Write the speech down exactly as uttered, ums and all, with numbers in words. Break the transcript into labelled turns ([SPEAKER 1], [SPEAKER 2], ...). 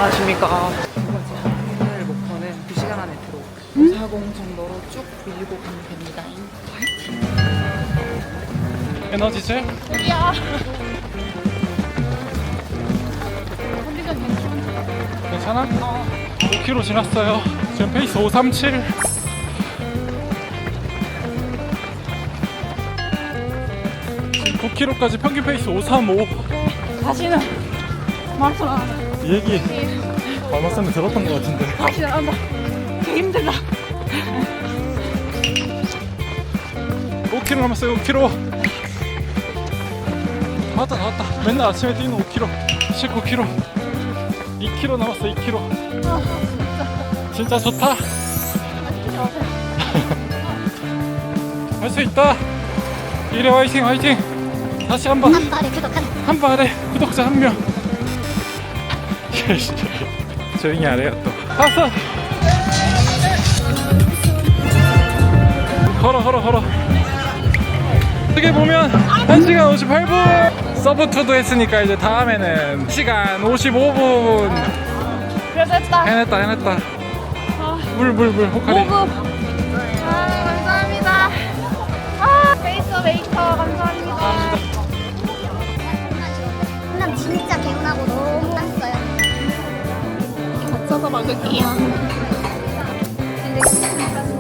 [SPEAKER 1] 안녕하십니까. 오늘 목표는 두 시간 안에 들어오고 사공 정도로 쭉 밀고 가면 됩니다.
[SPEAKER 2] 에너지젤?
[SPEAKER 3] 우리야. 컨디션 괜찮아?
[SPEAKER 2] 괜찮아? 어. 오 킬로미터 지났어요. 지금 페이스 오삼칠. 지금 구 킬로미터까지 평균 페이스 오삼오.
[SPEAKER 3] 다시는 마라톤 안 한다.
[SPEAKER 2] 이 얘기 마마쌤이 들었던 것 같은데.
[SPEAKER 3] 다시는 안 한다. 되게 힘들다.
[SPEAKER 2] 오 킬로미터 남았어요. 오 킬로미터. 나왔다 나왔다. 맨날 아침에 뛰는 오 킬로미터. 십구 킬로미터. 이 킬로미터 남았어. 이 킬로미터.
[SPEAKER 3] 아,
[SPEAKER 2] 진짜 좋다.
[SPEAKER 3] 진짜.
[SPEAKER 2] 할 수 있다. 이래 화이팅 화이팅. 다시 한번
[SPEAKER 4] 한 발에 구독한
[SPEAKER 2] 한 발에 구독자 한 명. 조용히 하래요 또. 왔어. 걸어 걸어 걸어. 어떻게 보면 한 시간 오십팔 분. 서브투도 했으니까 이제 다음에는 한 시간 오십오 분.
[SPEAKER 3] 그래도 했다.
[SPEAKER 2] 해냈다 해냈다. 물 물 물 호카리.
[SPEAKER 3] 모급. 아, 감사합니다. 아, 페이스 메이커 감사합니다.
[SPEAKER 4] 남 진짜 개운하고 너무 땄어요.
[SPEAKER 3] 겹쳐서 막을게요.